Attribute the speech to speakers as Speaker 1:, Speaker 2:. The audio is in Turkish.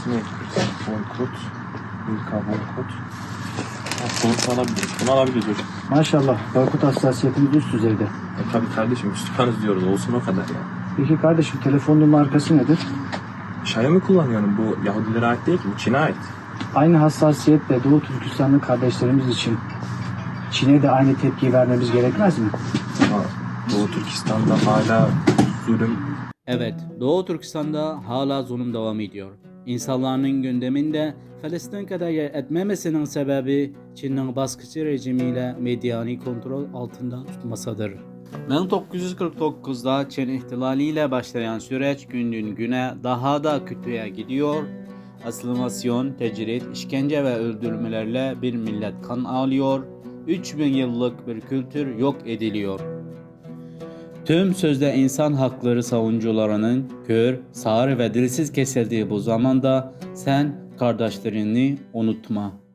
Speaker 1: Ne yapıyoruz? Boykot. İlk boykot. Sonuç alabiliriz. Bunu alabiliriz hocam.
Speaker 2: Maşallah, boykot hassasiyetimiz üst düzeyde.
Speaker 1: Tabii kardeşim, Müslümanız diyoruz. Olsun o kadar ya.
Speaker 2: Peki kardeşim, telefonun markası nedir?
Speaker 1: Xiaomi kullanıyorum. Bu Yahudilere ait değil ki. Bu Çin'e ait.
Speaker 2: Aynı hassasiyetle Doğu Türkistanlı kardeşlerimiz için Çin'e de aynı tepkiyi vermemiz gerekmez mi?
Speaker 1: Ama Doğu Türkistan'da hala zulüm.
Speaker 3: Evet, Doğu Türkistan'da hala zulüm devam ediyor. İnsanların gündeminde Filistin kadar yer etmemesinin sebebi Çin'in baskıcı rejimiyle medyani kontrol altında tutmasıdır. 1949'da Çin ihtilaliyle başlayan süreç günden güne daha da kötüye gidiyor. Asimilasyon, tecrit, işkence ve öldürmelerle bir millet kan ağlıyor. 3000 yıllık bir kültür yok ediliyor. Tüm sözde insan hakları savunucularının kör, sağır ve dilsiz kesildiği bu zamanda sen kardeşlerini unutma.